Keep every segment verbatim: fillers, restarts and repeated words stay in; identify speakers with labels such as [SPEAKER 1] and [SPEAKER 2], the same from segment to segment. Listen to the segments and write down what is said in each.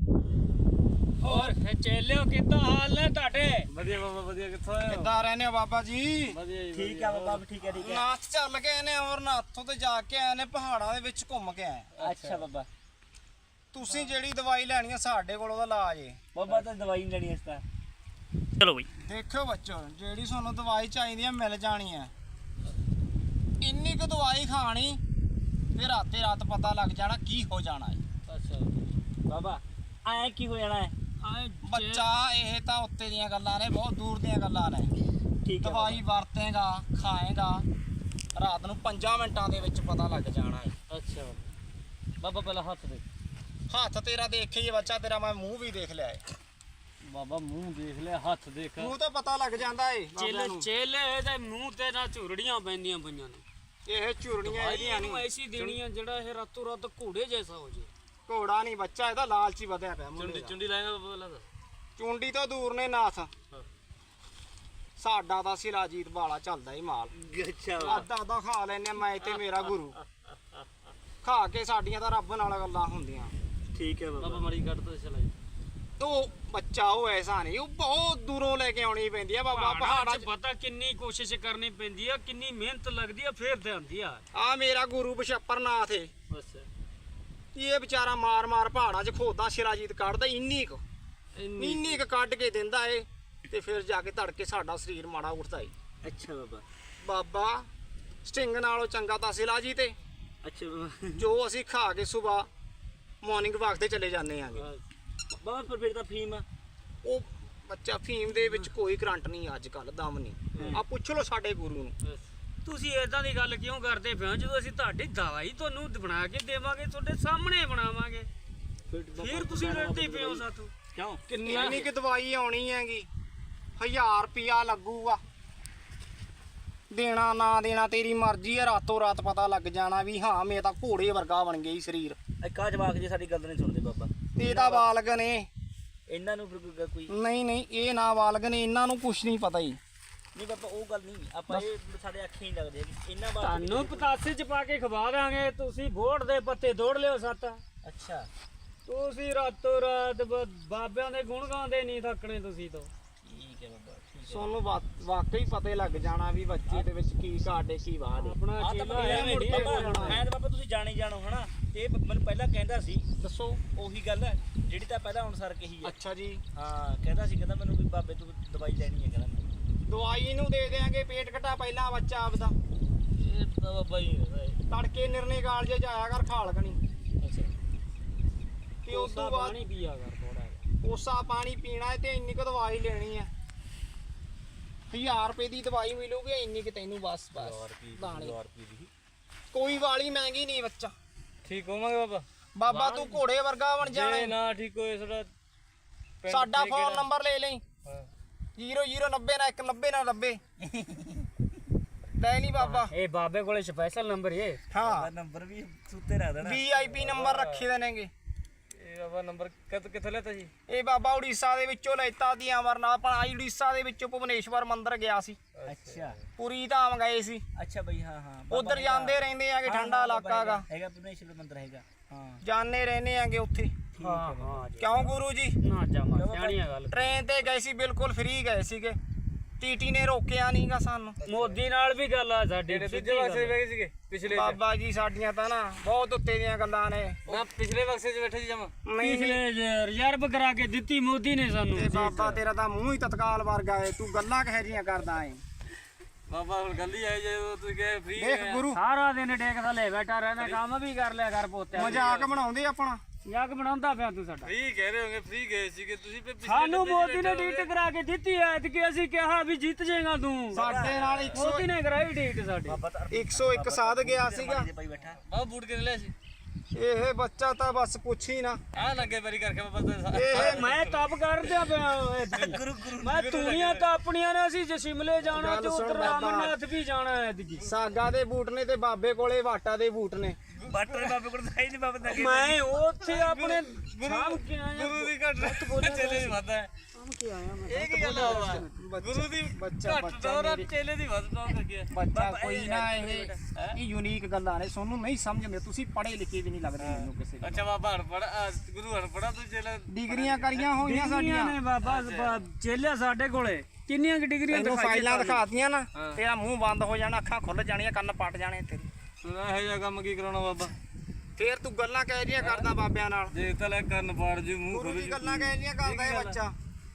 [SPEAKER 1] ਹੋਰ ਚੇਲਿਓ ਕਿੱਦਾਂ ਹਾਲ ਨੇ ਤੁਹਾਡੇ?
[SPEAKER 2] ਵਧੀਆ ਬਾਬਾ ਵਧੀਆ। ਕਿੱਥੋਂ ਆਏ ਹੋ?
[SPEAKER 3] ਕਿੱਦਾਂ ਰਹਿੰਦੇ ਹੋ ਬਾਬਾ ਜੀ?
[SPEAKER 2] ਵਧੀਆ ਜੀ
[SPEAKER 1] ਠੀਕ ਆ ਬਾਬਾ, ਠੀਕ ਹੈ ਠੀਕ ਹੈ।
[SPEAKER 3] ਨਾਥ ਚੱਲ ਕੇ ਆਏ ਨੇ ਔਰ ਨਾਥੋਂ ਤੇ ਜਾ ਕੇ ਆਏ ਨੇ, ਪਹਾੜਾਂ ਦੇ ਵਿੱਚ ਘੁੰਮ ਕੇ ਆਏ।
[SPEAKER 1] ਅੱਛਾ ਬਾਬਾ,
[SPEAKER 3] ਤੁਸੀਂ ਜਿਹੜੀ ਦਵਾਈ ਲੈਣੀ ਆ ਸਾਡੇ ਕੋਲ ਉਹਦਾ ਇਲਾਜ ਏ।
[SPEAKER 1] ਬਾਬਾ ਤਾਂ ਦਵਾਈ ਨਹੀਂ ਲੈਣੀ ਇਸ ਤਾਂ। ਚਲੋ ਬਈ
[SPEAKER 3] ਦੇਖਿਓ ਬੱਚੋ, ਜਿਹੜੀ ਤੁਹਾਨੂੰ ਦਵਾਈ ਚਾਹੀਦੀ ਆ ਮਿਲ ਜਾਣੀ ਆ। ਇੰਨੀ ਕੁ ਦਵਾਈ ਖਾਣੀ ਫਿਰ ਰਾਤੇ ਰਾਤ ਪਤਾ ਲੱਗ ਜਾਣਾ ਕੀ ਹੋ ਜਾਣਾ ਹੈ।
[SPEAKER 1] ਅੱਛਾ ਬਾਬਾ, ਐ ਕੀ ਹੋ ਜਾਣਾ ਹੈ?
[SPEAKER 3] ਬੱਚਾ ਇਹ ਤਾਂ ਉੱਤੇ ਦੀਆਂ ਗੱਲਾਂ ਨੇ, ਬਹੁਤ ਦੂਰ ਦੀਆਂ ਗੱਲਾਂ ਨੇ।
[SPEAKER 1] ਠੀਕ ਹੈ
[SPEAKER 3] ਦਵਾਈ ਵਰਤੇਗਾ, ਖਾਏਗਾ, ਰਾਤ ਨੂੰ ਪੰਜਾਂ ਮਿੰਟਾਂ ਦੇ ਵਿੱਚ ਪਤਾ ਲੱਗ ਜਾਣਾ ਹੈ।
[SPEAKER 1] ਅੱਛਾ ਬਾਬਾ, ਪਹਿਲਾਂ ਹੱਥ ਦੇ।
[SPEAKER 3] ਹੱਥ ਤੇਰਾ ਦੇਖੇ ਹੀ ਬੱਚਾ, ਤੇਰਾ ਮੈਂ ਮੂੰਹ ਵੀ ਦੇਖ ਲਿਆ ਏ।
[SPEAKER 2] ਬਾਬਾ ਮੂੰਹ ਦੇਖ ਲਿਆ, ਹੱਥ ਦੇਖ।
[SPEAKER 3] ਮੂੰਹ ਤਾਂ ਪਤਾ ਲੱਗ ਜਾਂਦਾ ਏ ਬਾਬਿਆਂ ਨੂੰ।
[SPEAKER 1] ਚੇਲੇ ਦੇ ਮੂੰਹ ਤੇ ਨਾ ਝੁਰੜੀਆਂ ਪੈਂਦੀਆਂ ਪਈਆਂ ਨੇ।
[SPEAKER 3] ਇਹ ਝੁਰੜੀਆਂ ਇਹਦੀਆਂ
[SPEAKER 1] ਇਹਨੂੰ
[SPEAKER 3] ਨਹੀਂ,
[SPEAKER 1] ਐਸੀ ਦੇਣੀ ਆ ਜਿਹੜਾ ਇਹ ਰਾਤੋਂ ਰਾਤ ਘੋੜੇ ਜੈਸਾ ਹੋ ਜੇ।
[SPEAKER 3] ਘੋੜਾ ਨਹੀਂ ਬੱਚਾ, ਇਹਦਾ ਲਾਲਚੀ ਵਧਿਆ ਪਿਆ ਮੁੰਡੇ
[SPEAKER 2] ਚੁੰਡੀ
[SPEAKER 3] ਦਾ।
[SPEAKER 2] ਚੁੰਡੀ ਲਾਏਗਾ ਬਾਬਾ ਪਹਿਲਾਂ ਤਾਂ।
[SPEAKER 3] ਚੁੰਡੀ ਤੋਂ ਦੂਰ ਨੇ ਨਾਥ। ਸਾਡਾ ਤਾਂ ਸਿਰਾਜੀਤ ਵਾਲਾ ਚੱਲਦਾ ਹੀ ਮਾਲ।
[SPEAKER 1] ਅੱਛਾ
[SPEAKER 3] ਅੱਧਾ ਅੱਧਾ ਖਾ ਲੈਨੇ ਮੈਂ ਤੇ ਮੇਰਾ ਗੁਰੂ। ਖਾ ਕੇ ਸਾਡੀਆਂ ਤਾਂ ਰੱਬ ਨਾਲ ਗੱਲਾਂ ਹੁੰਦੀਆਂ।
[SPEAKER 1] ਠੀਕ ਹੈ
[SPEAKER 2] ਬਾਬਾ ਮੜੀ ਕੱਢ ਤੋਂ ਚਲਾ ਜੀ।
[SPEAKER 3] ਉਹ ਬੱਚਾ ਉਹ ਐਸਾ ਨਹੀਂ, ਉਹ ਬਹੁਤ ਦੂਰੋਂ ਲੈ ਕੇ ਆਉਣੀ ਪੈਂਦੀ ਆ ਬਾਬਾ। ਪਹਾੜਾਂ 'ਚ
[SPEAKER 1] ਪਤਾ ਕਿੰਨੀ ਕੋਸ਼ਿਸ਼ ਕਰਨੀ ਪੈਂਦੀ ਆ, ਕਿੰਨੀ ਮਿਹਨਤ ਲੱਗਦੀ ਆ, ਫੇਰ ਤੇ ਆਉਂਦੀ ਆ।
[SPEAKER 3] ਆ ਮੇਰਾ ਗੁਰੂ ਬਸ਼ੱਪਰ ਨਾਥ ਏ।
[SPEAKER 2] ਅੱਛਾ
[SPEAKER 3] ਇਹ ਵਿਚਾਰਾ ਮਾਰ ਮਾਰ ਪਹਾੜਾਂ 'ਚ ਖੋਦਾ ਸਿਰਾਜੀਤ ਕੱਢਦਾ ਇੰਨੀ ਕੁ
[SPEAKER 2] ਇੰਨੀ
[SPEAKER 3] ਇੰਨੀ ਕੁ ਕੱਢ ਕੇ ਦਿੰਦਾ ਏ ਤੇ ਫਿਰ ਜਾ ਕੇ ਧੜ ਕੇ ਸਾਡਾ ਸਰੀਰ ਮਾੜਾ ਉੱਠਦਾ ਏ।
[SPEAKER 1] ਅੱਛਾ ਬਾਬਾ।
[SPEAKER 3] ਬਾਬਾ ਸਟਿੰਗ ਨਾਲੋਂ ਚੰਗਾ ਤਾਂ ਸਿਲਾਜੀ ਤੇ
[SPEAKER 1] ਅੱਛਾ ਬਾਬਾ।
[SPEAKER 3] ਜੋ ਅਸੀਂ ਖਾ ਕੇ ਸਵੇਰ ਮਾਰਨਿੰਗ ਵਾਕ ਤੇ ਚਲੇ ਜਾਂਦੇ ਆਂਗੇ।
[SPEAKER 1] ਬਾਬਾ ਫਿਰ ਫਿਰ ਤਾਂ ਫੀਮ ਆ।
[SPEAKER 3] ਉਹ ਬੱਚਾ ਫੀਮ ਦੇ ਵਿੱਚ ਕੋਈ ਕਰੰਟ ਨਹੀਂ ਅੱਜ ਕੱਲ, ਦਮ ਨਹੀਂ। ਆ ਪੁੱਛ ਲਓ ਸਾਡੇ ਗੁਰੂ ਨੂੰ।
[SPEAKER 1] ਤੁਸੀਂ ਇਦਾਂ ਦੀ ਗੱਲ ਕਿਉਂ ਕਰਦੇ ਪਏ ਹੋ? ਜਦੋਂ ਅਸੀਂ ਤੁਹਾਡੀ ਦਵਾਈ ਤੁਹਾਨੂੰ ਬਣਾ ਕੇ ਦੇਵਾਂਗੇ, ਤੁਹਾਡੇ ਸਾਹਮਣੇ ਬਣਾਵਾਂਗੇ, ਫਿਰ ਤੁਸੀਂ ਲੜਦੇ ਪਏ ਹੋ ਸਾਥੋਂ ਕਿਉਂ?
[SPEAKER 3] ਕਿੰਨੀ ਕਿ ਦਵਾਈ ਆਉਣੀ ਹੈਗੀ, ਹਜ਼ਾਰ ਰੁਪਿਆ ਲੱਗੂਗਾ। ਦੇਣਾ ਨਾ ਦੇਣਾ ਤੇਰੀ ਮਰਜ਼ੀ ਹੈ। ਰਾਤੋਂ ਰਾਤ ਪਤਾ ਲੱਗ ਜਾਣਾ ਵੀ ਹਾਂ ਮੈਂ ਤਾਂ ਘੋੜੇ ਵਰਗਾ ਬਣ ਗਿਆ ਸਰੀਰ।
[SPEAKER 1] ਇੱਕਾ ਜਵਾਕ ਜੇ ਸਾਡੀ ਗੱਲ ਨਹੀਂ ਸੁਣਦੇ ਬਾਬਾ।
[SPEAKER 3] ਤੇ ਇਹਦਾ ਬਾਲਗ ਨੇ।
[SPEAKER 1] ਇਹਨਾਂ ਨੂੰ ਫਿਰ ਕੋਈ
[SPEAKER 3] ਨਹੀਂ ਨਹੀਂ, ਇਹ ਨਾ ਬਾਲਗ ਨੇ, ਇਹਨਾਂ ਨੂੰ ਕੁਛ ਨਹੀਂ ਪਤਾ ਹੀ।
[SPEAKER 1] ਨਹੀਂ ਬਾਬਾ, ਉਹ ਗੱਲ ਨਹੀਂ। ਆਪਾਂ ਇਹ ਸਾਡੇ ਅੱਖੀਂ ਨਹੀਂ ਲੱਗਦੇ ਇਹਨਾਂ ਬਾਤ।
[SPEAKER 4] ਤੁਹਾਨੂੰ ਪਤਾਸੇ ਚ ਪਾ ਕੇ ਖਵਾ ਦਾਂਗੇ, ਤੁਸੀਂ ਬੋੜ ਦੇ ਪੱਤੇ ਦੌੜ ਲਿਓ ਸੱਤ।
[SPEAKER 1] ਅੱਛਾ
[SPEAKER 4] ਤੁਸੀਂ ਰਾਤੋਂ ਰਾਤ ਬ- ਬਾਬਿਆਂ ਦੇ ਗੁਣ ਗਾਉਂਦੇ ਨਹੀਂ ਥੱਕਣੇ ਤੁਸੀਂ ਤੋਂ।
[SPEAKER 1] ਠੀਕ ਹੈ ਬਾਬਾ, ਠੀਕ ਹੈ।
[SPEAKER 3] ਤੁਹਾਨੂੰ ਵਾ- ਵਾਕਈ ਪਤਾ ਲੱਗ ਜਾਣਾ ਵੀ ਬੱਚੇ ਦੇ ਵਿੱਚ ਕੀ ਘਾਟੇ ਕੀ ਵਾਧ ਹੈ।
[SPEAKER 4] ਆਪਣਾ
[SPEAKER 1] ਆਹ ਤਾਂ
[SPEAKER 4] ਚੇਲਾ
[SPEAKER 1] ਬਾਬਾ
[SPEAKER 4] ਹੈ
[SPEAKER 1] ਮੁੜ
[SPEAKER 4] ਨਹੀਂ
[SPEAKER 1] ਬਾਬਾ,
[SPEAKER 3] ਬੋਲਣਾ।
[SPEAKER 1] ਮੈਂ ਤਾਂ ਬਾਬਾ ਤੁਸੀਂ ਜਾਣੇ ਜਾਣੋ ਹਨਾ। ਤੇ ਮੈਨੂੰ ਪਹਿਲਾਂ ਕਹਿੰਦਾ ਸੀ,
[SPEAKER 3] ਦੱਸੋ।
[SPEAKER 1] ਉਹੀ ਗੱਲ ਹੈ ਜਿਹੜੀ ਤਾਂ ਪਹਿਲਾਂ ਹੁਣ ਸਰ ਕਹੀ ਹੈ।
[SPEAKER 3] ਅੱਛਾ ਜੀ,
[SPEAKER 1] ਹਾਂ ਕਹਿੰਦਾ ਸੀ, ਕਹਿੰਦਾ ਮੈਨੂੰ ਵੀ ਬਾਬੇ ਤੂੰ ਦਵਾਈ ਲੈਣੀ ਹੈ, ਕਹਿੰਦਾ ਮੈਨੂੰ।
[SPEAKER 3] ਦਵਾਈ ਨੂੰ ਦੇ ਦੇਾਂਗੇ, ਪੇਟ ਘਟਾ ਪਹਿਲਾਂ ਬੱਚਾ ਆਪਦਾ।
[SPEAKER 1] ਇਹ ਤਾਂ ਬਾਬਾ ਹੀ ਹੈ।
[SPEAKER 3] ਤੜਕੇ ਨਿਰਣੇ ਕਾਲਜੇ ਜਾਇਆ ਕਰ ਖਾਲ ਕਣੀ,
[SPEAKER 1] ਅੱਛਾ
[SPEAKER 3] ਤੇ ਉਸ ਤੋਂ ਬਾਅਦ
[SPEAKER 4] ਪਾਣੀ ਪੀਆ ਕਰ ਥੋੜਾ ਜਿਹਾ।
[SPEAKER 3] ਕੋਸਾ ਪਾਣੀ ਪੀਣਾ ਹੈ ਤੇ ਇੰਨੀ ਕੁ ਦਵਾਈ ਲੈਣੀ ਹੈ। ਹਜ਼ਾਰ ਰੁਪਏ ਦੀ ਦਵਾਈ ਮਿਲੂਗੀ, ਇੰਨੀ ਕਿ ਤੈਨੂੰ ਬਸ ਬਸ ਦਾਣੇ। ਕੋਈ ਵਾਲੀ ਮਹਿੰਗੀ ਨਹੀਂ ਬੱਚਾ।
[SPEAKER 2] ਠੀਕ ਹੋਵਾਂਗੇ ਬਾਬਾ।
[SPEAKER 3] ਬਾਬਾ ਤੂੰ ਘੋੜੇ ਵਰਗਾ ਬਣ ਜਾਣਾ
[SPEAKER 2] ਜੇ
[SPEAKER 3] ਏ।
[SPEAKER 2] ਨਾ ਠੀਕ ਹੋਏ ਸਾਡਾ ਪਿੰਡ
[SPEAKER 3] ਸਾਡਾ
[SPEAKER 2] ਤੇ
[SPEAKER 3] ਫੋਨ
[SPEAKER 2] ਕਿਹੜਾ-
[SPEAKER 3] ਨੰਬਰ ਲੈ ਲਈ,
[SPEAKER 2] ਹਾਂ।
[SPEAKER 3] ਜ਼ੀਰੋ ਜ਼ੀਰੋ ਨੱਬੇ ਨਾਲ ਇੱਕ ਨੱਬੇ ਨਾਲ ਨੱਬੇ। ਲੈ ਲਈ ਬਾਬਾ।
[SPEAKER 4] ਇਹ ਬਾਬੇ ਕੋਲੇ ਸਪੈਸ਼ਲ ਨੰਬਰ ਇਹ।
[SPEAKER 3] ਹਾਂ,
[SPEAKER 1] ਨੰਬਰ ਵੀ ਸੁੱਤੇ ਰੱਖ ਦੇਣਾ।
[SPEAKER 3] ਵੀ ਆਈ ਪੀ ਨੰਬਰ ਰੱਖੇ ਦੇ ਨੇਗੇ।
[SPEAKER 2] ਇਹ ਬਾਬਾ ਨੰਬਰ ਕਿੱਥੋਂ ਕਿੱਥੋਂ ਲੈਤਾ ਜੀ?
[SPEAKER 3] ਇਹ ਬਾਬਾ ਉੜੀਸਾ ਦੇ ਵਿੱਚੋਂ ਲੈਤਾ ਦੀ ਅਮਰਨਾਥ। ਆਪਣਾ ਉੜੀਸਾ ਦੇ ਵਿੱਚੋਂ ਭੁਵਨੇਸ਼ਵਰ ਮੰਦਿਰ ਗਿਆ ਸੀ,
[SPEAKER 1] ਅੱਛਾ
[SPEAKER 3] ਪੂਰੀ ਧਾਮ ਗਏ ਸੀ।
[SPEAKER 1] ਅੱਛਾ ਬਈ, ਹਾਂ ਹਾਂ।
[SPEAKER 3] ਉਧਰ ਜਾਂਦੇ ਰਹਿੰਦੇ ਆਗੇ, ਠੰਡਾ ਇਲਾਕਾ ਹੈਗਾ,
[SPEAKER 1] ਹੈਗਾ ਪਰਮੇਸ਼ਵਰ ਮੰਦਿਰ ਹੈਗਾ। ਹਾਂ
[SPEAKER 3] ਜਾਣੇ ਰਹਿੰਦੇ ਆਗੇ ਉੱਥੇ।
[SPEAKER 4] ਹਾਂ ਹਾਂ ਜੀ।
[SPEAKER 3] ਕਿਉਂ ਗੁਰੂ ਜੀ?
[SPEAKER 4] ਨਾ ਜਾਮਾ ਸਿਆਣੀਆਂ ਗੱਲ।
[SPEAKER 3] ਟ੍ਰੇਨ ਤੇ ਗਏ ਸੀ, ਬਿਲਕੁਲ ਫ੍ਰੀ ਗਏ ਸੀਗੇ। ਟੀਟੀ ਨੇ ਰੋਕਿਆ ਨਹੀਂਗਾ ਸਾਨੂੰ।
[SPEAKER 4] ਮੋਦੀ ਨਾਲ ਵੀ ਗੱਲ ਆ ਸਾਡੀ।
[SPEAKER 2] ਜਿਹੜੇ ਦੂਜੇ ਬਕਸੇ 'ਚ ਬਹਿ ਗਏ ਸੀਗੇ ਪਿਛਲੇ 'ਚ।
[SPEAKER 3] ਬਾਬਾ ਜੀ ਸਾਡੀਆਂ ਤਾਂ ਨਾ ਬਹੁਤ ਉੱਤੇ ਦੀਆਂ ਗੱਲਾਂ ਨੇ।
[SPEAKER 2] ਨਾ ਪਿਛਲੇ ਬਕਸੇ 'ਚ ਬੈਠੇ ਸੀ ਜਮਾ।
[SPEAKER 3] ਨਹੀਂ
[SPEAKER 4] ਪਿਛਲੇ ਰਿਜ਼ਰਵ ਕਰਾ ਕੇ ਦਿੱਤੀ ਮੋਦੀ ਨੇ ਸਾਨੂੰ।
[SPEAKER 3] ਤੇ ਬਾਬਾ ਤੇਰਾ ਤਾਂ ਮੂੰਹ ਹੀ ਤਤਕਾਲ ਵਰਗਾ ਏ, ਤੂੰ ਗੱਲਾਂ ਕਿਹੋ ਜਿਹੀਆਂ ਕਰਦਾ ਏ।
[SPEAKER 2] ਬਾਬਾ ਹੁਣ ਗੱਲ ਹੀ ਆਈ ਜੇ ਤੁਸੀਂ ਕਹੇ ਫ੍ਰੀ
[SPEAKER 3] ਦੇਖ ਗੁਰੂ,
[SPEAKER 4] ਸਾਰਾ ਦਿਨ ਡੇਕ ਥੱਲੇ ਬੈਠਾ ਰਹਿਣਾ, ਕੰਮ ਵੀ ਕਰ ਲਿਆ ਕਰ ਪੋਤਿਆ।
[SPEAKER 3] ਮਜ਼ਾਕ ਬਣਾਉਂਦੇ ਆਪਣਾ।
[SPEAKER 4] ਮਜ਼ਾਕ ਬਣਾਉਂਦਾ ਪਿਆ ਤੂੰ ਸਾਡਾ।
[SPEAKER 2] ਫ੍ਰੀ ਕਹਿ ਰਹੇ ਹੋਗੇ, ਫ੍ਰੀ ਗਏ ਸੀਗੇ ਤੁਸੀਂ। ਫਿਰ ਪਿਛਲੇ
[SPEAKER 4] ਸਾਨੂੰ
[SPEAKER 2] ਡੱਬੇ 'ਚ
[SPEAKER 4] ਮੋਦੀ ਨੇ
[SPEAKER 2] ਬੈਠੇ
[SPEAKER 4] ਡੀਟ
[SPEAKER 2] ਹੋਗੇ।
[SPEAKER 4] ਕਰਾ ਕੇ ਦਿੱਤੀ ਐ ਕਿ ਅਸੀਂ ਕਿਹਾ ਵੀ ਜਿੱਤ ਜਾਏਗਾ ਤੂੰ।
[SPEAKER 3] ਸਾਡੇ ਨਾਲ ਇੱਕ ਸੌ
[SPEAKER 4] ਮੋਦੀ ਨੇ ਕਰਾਈ ਡੀਟ ਸਾਡੀ।
[SPEAKER 1] ਬਾਬਾ ਤਾਂ
[SPEAKER 3] ਇੱਕ ਸੌ ਇੱਕ ਸਾਧ ਗਿਆ ਸੀਗਾ।
[SPEAKER 1] ਭਾਈ ਬੈਠਾ।
[SPEAKER 2] ਬਾਬਾ ਬੂਟ ਕਿੱਥੇ ਲਿਆ ਸੀ?
[SPEAKER 3] ਇਹ ਬੱਚਾ ਤਾਂ ਬਸ ਪੁੱਛ ਹੀ ਨਾ।
[SPEAKER 2] ਆ ਲੱਗੇ ਬਰੀ ਕਰਕੇ ਬਾਬਾ।
[SPEAKER 3] ਇਹ
[SPEAKER 4] ਮੈਂ ਤਪ ਕਰਦਿਆ ਪਿਆ ਐਤਕੀ।
[SPEAKER 1] ਗੁਰੂ ਗੁਰੂ
[SPEAKER 4] ਮੈਂ ਤੂੜੀਆਂ ਤਾਂ ਆਪਣੀਆਂ ਨੇ, ਅਸੀਂ ਜੇ ਸ਼ਿਮਲੇ ਜਾਣਾ
[SPEAKER 3] ਗੱਲ
[SPEAKER 4] ਤੇ
[SPEAKER 3] ਸੁਣ
[SPEAKER 4] ਉਧਰ
[SPEAKER 3] ਬਾਬਾ।
[SPEAKER 4] ਰਾਮਨਾਥ ਵੀ ਜਾਣਾ ਐਤਕੀ।
[SPEAKER 3] ਸਾਗਾ ਦੇ ਬੂਟ ਨੇ ਤੇ ਬਾਬੇ ਕੋਲੇ ਵਾਟਾ ਦੇ ਬੂਟ ਨੇ।
[SPEAKER 5] ਬਾਟਰ ਬਾਬੇ ਕੋਲ ਤਾਂ ਹੀ ਨਹੀਂ ਬਾਬਾ ਦਾ
[SPEAKER 1] ਮੈਂ ਉੱਥੇ ਆਪਣੇ ਸ਼ਾਮ ਕੇ ਆਇਆ
[SPEAKER 2] ਗੁਰੂ ਦੀ ਘਟ ਚੇਲੇ ਦੀ ਵੱਧ ਹੈ
[SPEAKER 1] ਕੇ ਆਇਆ ਮੈਂ
[SPEAKER 2] ਇਹ ਕੀ ਗੱਲ ਆ ਗੁਰੂ ਦੀ
[SPEAKER 3] ਬੱਚਾ-
[SPEAKER 2] ਘੱਟ
[SPEAKER 3] ਬੱਚਾ
[SPEAKER 2] ਦੌਰ
[SPEAKER 3] ਮੇਰੀ-
[SPEAKER 2] ਚੇਲੇ ਦੀ ਵੱਧ ਦੌਰ ਕਰਕੇ
[SPEAKER 3] ਬੱਚਾ ਕੋਈ ਨਾ ਇਹ ਇਹ ਯੂਨੀਕ ਗੱਲਾਂ ਨੇ ਤੁਹਾਨੂੰ ਨਹੀਂ ਸਮਝਦੇ ਤੁਸੀਂ ਪੜ੍ਹੇ ਲਿਖੇ ਵੀ ਨਹੀਂ ਲੱਗਦੇ ਮੈਨੂੰ ਕਿਸੇ ਦੀ
[SPEAKER 2] ਅੱਛਾ ਬਾਬਾ ਹੜਪੜਾ ਗੁਰੂ ਹੜਪੜਾ ਤੂੰ ਚੇਲਾ
[SPEAKER 3] ਡਿਗਰੀਆਂ ਕਰੀਆਂ ਹੋਈਆਂ
[SPEAKER 1] ਡਿਗਰੀਆਂ
[SPEAKER 3] ਸਾਡੀਆਂ
[SPEAKER 1] ਨੇ ਬਾਬਾ ਬਾ- ਚੇਲਿਆ ਸਾਡੇ ਕੋਲੇ ਕਿੰਨੀਆਂ ਕਿ ਡਿਗਰੀਆਂ
[SPEAKER 3] ਤੈਨੂੰ
[SPEAKER 1] ਦਿਖਾਈਏ
[SPEAKER 3] ਫਾਈਲਾਂ
[SPEAKER 1] ਤੁਹਾਨੂੰ?
[SPEAKER 3] ਦਿਖਾਤੀਆਂ ਨਾ ਤੇਰਾ ਮੂੰਹ ਬੰਦ ਹੋ ਜਾਣਾ ਅੱਖਾਂ ਖੁੱਲ ਜਾਣੀਆਂ ਕੰਨ ਪੱਟ ਜਾਣੇ ਤੇਰੇ
[SPEAKER 2] ਸੁਣਾ ਇਹ ਜਿਹਾ ਕੰਮ ਕੀ ਕਰਾਉਣਾ ਬਾਬਾ
[SPEAKER 3] ਫੇਰ ਤੂੰ ਗੱਲਾਂ ਕਹਿ ਰਹੀਆਂ ਕਰਦਾ ਬਾਬਿਆਂ ਨਾਲ
[SPEAKER 2] ਜੇ ਤਾਂ ਲੈ ਕੰਨ ਪਾੜ ਜੂ ਮੂੰਹ
[SPEAKER 3] ਗੁਰੂ
[SPEAKER 2] ਖੁੱਲ
[SPEAKER 3] ਦੀ
[SPEAKER 2] ਜੂ
[SPEAKER 3] ਗੱਲਾਂ ਕਹਿ ਰਹੀਆਂ ਕਰਦਾ ਇਹ ਬੱਚਾ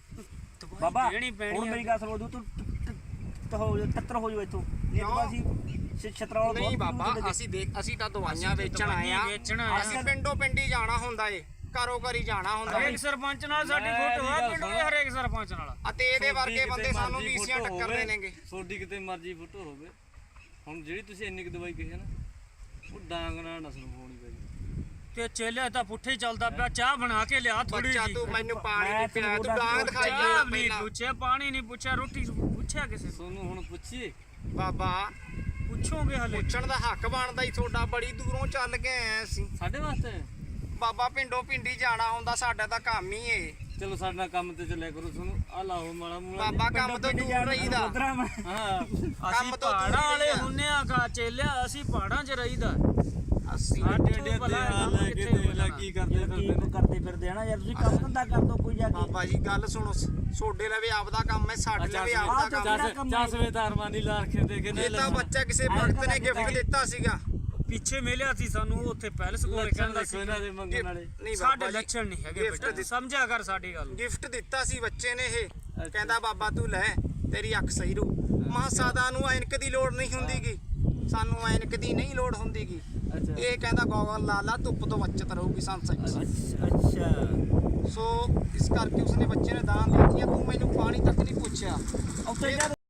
[SPEAKER 5] ਬਾਬਾ
[SPEAKER 1] ਦੇਣੀ ਪੈਣੀ
[SPEAKER 5] ਹੁਣ
[SPEAKER 1] ਆ।
[SPEAKER 5] ਮੇਰੀ ਗੱਲ ਸੁਣੋ ਤੂੰ ਤੂੰ ਤ- ਹੋ ਜਾ ਤੱਤਰ ਹੋ ਜਾ ਇੱਥੋਂ ਨਹੀਂ ਤਾਂ ਅਸੀਂ ਛਤਰਾਲ
[SPEAKER 3] ਨਹੀਂ ਬਾਬਾ ਅਸੀਂ ਦੇਖ ਅਸੀਂ ਤਾਂ ਦਵਾਈਆਂ ਵੇਚਣ ਆਏ ਆ
[SPEAKER 1] ਵੇਚਣ ਆਏ ਆ।
[SPEAKER 3] ਅਸੀਂ ਪਿੰਡੋਂ ਪਿੰਡੀ ਜਾਣਾ ਹੁੰਦਾ ਏ ਘਰੋਂ ਘਰੀ ਜਾਣਾ ਹੁੰਦਾ ਏ
[SPEAKER 1] ਹਰੇਕ ਸਰਪੰਚ ਨਾਲ ਸਾਡੀ
[SPEAKER 2] ਮੈਂ
[SPEAKER 1] ਫੋਟੋ ਆ
[SPEAKER 2] ਇਹਦੀ ਗੱਲ
[SPEAKER 1] ਪਿੰਡ ਦੇ
[SPEAKER 2] ਸੁਣ।
[SPEAKER 1] ਹਰੇਕ ਸਰਪੰਚ ਨਾਲ
[SPEAKER 3] ਅਤੇ ਇਹਦੇ ਵਰਗੇ
[SPEAKER 2] ਕਿਤੇ
[SPEAKER 3] ਬੰਦੇ ਸਾਨੂੰ
[SPEAKER 2] ਮਰਜ਼ੀ
[SPEAKER 3] ਵੀਸੀਆਂ
[SPEAKER 2] ਫੋਟੋ
[SPEAKER 3] ਟੱਕਰਦੇ
[SPEAKER 2] ਹੋਵੇ,
[SPEAKER 3] ਨੇਗੇ
[SPEAKER 2] ਤੁਹਾਡੀ ਕਿਤੇ ਮਰਜ਼ੀ ਫੋਟੋ ਹੋਵੇ ਹੁਣ ਜਿਹੜੀ ਤੁਸੀਂ ਇੰਨੀ ਕੁ ਦਵਾਈ ਕਹੀ ਹੈ ਨਾ ਉਹ ਡਾਂਗ ਨਾਲ ਨਸਲ ਹੋਣੀ ਪਈ
[SPEAKER 1] ਤੇ ਚੇਲਿਆ ਤਾਂ ਪੁੱਠੇ ਹੀ ਚੱਲਦਾ ਪਿਆ ਚਾਹ ਬਣਾ ਕੇ ਲਿਆ ਥੋੜੀ
[SPEAKER 3] ਬੱਚਾ
[SPEAKER 1] ਜੀ
[SPEAKER 3] ਤੂੰ ਮੈਨੂੰ ਪਾਣੀ
[SPEAKER 5] ਮੈਂ
[SPEAKER 3] ਨਹੀਂ ਪਿਆ ਤੂੰ
[SPEAKER 5] ਤੈਨੂੰ
[SPEAKER 3] ਡਾਂਗ ਦਿਖਾਈ
[SPEAKER 1] ਚਾਹ
[SPEAKER 3] ਜਾ
[SPEAKER 1] ਨਹੀਂ
[SPEAKER 3] ਪਹਿਲਾਂ
[SPEAKER 1] ਪੁੱਛਿਆ ਪਾਣੀ ਨਹੀਂ ਪੁੱਛਿਆ ਰੋਟੀ ਪੁੱਛਿਆ ਕਿਸੇ ਨੂੰ
[SPEAKER 2] ਤੁਹਾਨੂੰ ਹੁਣ ਪੁੱਛੀਏ
[SPEAKER 3] ਬਾਬਾ
[SPEAKER 1] ਪੁੱਛੋਗੇ ਹਲੇ
[SPEAKER 3] ਪੁੱਛਣ ਦਾ ਹੱਕ ਬਣਦਾ ਹੀ ਤੁਹਾਡਾ ਬੜੀ ਦੂਰੋਂ ਚੱਲ ਕੇ ਆਏ ਆ ਅਸੀਂ
[SPEAKER 2] ਸਾਡੇ ਵਾਸਤੇ
[SPEAKER 3] ਬਾਬਾ ਪਿੰਡੋਂ ਪਿੰਡੀ ਜਾਣਾ ਹੁੰਦਾ ਸਾਡਾ ਤਾਂ ਕੰਮ ਹੀ ਏ
[SPEAKER 2] ਚਲੋ ਸਾਡੇ ਨਾਲ ਕੰਮ ਤੇ ਚੱਲਿਆ ਕਰੋ ਤੁਹਾਨੂੰ ਆ ਲਾਓ ਮਾੜਾ ਮੂਲਾ
[SPEAKER 3] ਬਾਬਾ ਕੰਮ ਤੋਂ ਦੂਰ ਰਹੀਦਾ
[SPEAKER 2] ਹਾਂ
[SPEAKER 1] ਅਸੀਂ
[SPEAKER 3] ਤੋਂ
[SPEAKER 1] ਪਹਾੜਾਂ
[SPEAKER 3] ਦੂਰ
[SPEAKER 1] ਵਾਲੇ
[SPEAKER 3] ਹੀ ਆ।
[SPEAKER 1] ਹੁੰਨੇ ਆ ਕਾ ਚੇਲਿਆ ਅਸੀਂ ਪਹਾੜਾਂ 'ਚ ਰਹੀਦਾ
[SPEAKER 3] ਅਸੀਂ
[SPEAKER 2] ਸਾਡੇ ਡੇ ਤੇ ਹਾਲ ਲੈ ਕੇ ਦੇਖ ਲੈ ਕੀ ਕਰਦੇ
[SPEAKER 5] ਕੀ
[SPEAKER 2] ਫਿਰਦੇ ਨੇ
[SPEAKER 5] ਕਰਦੇ ਫਿਰਦੇ ਆ ਨਾ ਯਾਰ ਤੁਸੀਂ ਕੰਮ ਧੰਦਾ ਕਰ ਦੋ ਕੋਈ ਜਾ ਕੇ
[SPEAKER 3] ਬਾਬਾ ਜੀ ਗੱਲ ਸੁਣੋ ਸੋਡੇ ਲਵੇ ਆਪਦਾ ਕੰਮ ਹੈ ਸਾਡੇ ਲਵੇ ਆਪਦਾ ਕੰਮ ਹੈ।
[SPEAKER 5] ਕਿਹੜਾ ਕੰਮ
[SPEAKER 2] ਜਸ ਵੇ ਧਰਮਾਨੀ ਲਾ ਰੱਖੇ ਤੇ ਕਹਿੰਦੇ
[SPEAKER 3] ਇਹ ਤਾਂ ਬੱਚਾ ਕਿਸੇ ਭਗਤ ਨੇ ਗਿਫਟ ਦਿੱਤਾ ਸੀਗਾ
[SPEAKER 1] ਪਿੱਛੇ ਮਿਲਿਆ ਸੀ ਸਾਨੂੰ ਉੱਥੇ ਪੈਲਸ ਕੋਲ
[SPEAKER 2] ਲੱਛਣ
[SPEAKER 1] ਕਹਿੰਦਾ
[SPEAKER 2] ਦੱਸੋ
[SPEAKER 1] ਸੀ
[SPEAKER 2] ਇਹਨਾਂ ਦੇ ਮੰਗਣ ਵਾਲੇ
[SPEAKER 3] ਨਹੀਂ
[SPEAKER 1] ਸਾਡੇ
[SPEAKER 3] ਬਾਬਾ ਜੀ
[SPEAKER 1] ਲੱਛਣ ਨਹੀਂ ਹੈਗੇ
[SPEAKER 3] gift
[SPEAKER 1] ਬੇਟਾ
[SPEAKER 3] ਦਿੱਤਾ-
[SPEAKER 1] ਸਮਝਿਆ ਕਰ ਸਾਡੀ ਗੱਲ
[SPEAKER 3] ਗਿਫਟ ਦਿੱਤਾ ਸੀ ਬੱਚੇ ਨੇ ਇਹ ਕਹਿੰਦਾ ਬਾਬਾ ਤੂੰ ਲੈ ਤੇਰੀ ਅੱਖ ਸਹੀ ਰੂ ਮਾ ਸਾਦਾ ਨੂੰ ਐਨਕ ਦੀ ਲੋੜ ਨਹੀਂ ਹੁੰਦੀਗੀ ਸਾਨੂੰ ਐਨਕ ਦੀ ਨਹੀਂ ਲੋੜ ਹੁੰਦੀਗੀ
[SPEAKER 2] ਅੱਛਾ
[SPEAKER 3] ਇਹ ਕਹਿੰਦਾ ਗੋਗਲ ਲਾ ਲਾ ਧੁੱਪ ਤੋਂ ਬਚਤ ਰਹੂਗੀ ਸਨਸਾਈਡ
[SPEAKER 5] ਅੱਛਾ
[SPEAKER 3] ਸੋ ਇਸ ਕਰਕੇ ਉਸਨੇ ਬੱਚੇ ਨੇ ਦਾਨ ਦਿੱਤੀਆਂ ਤੂੰ ਮੈਨੂੰ ਪਾਣੀ ਤੱਕ ਨਹੀਂ ਪੁੱਛਿਆ
[SPEAKER 5] ਉੱਥੇ ਜਾ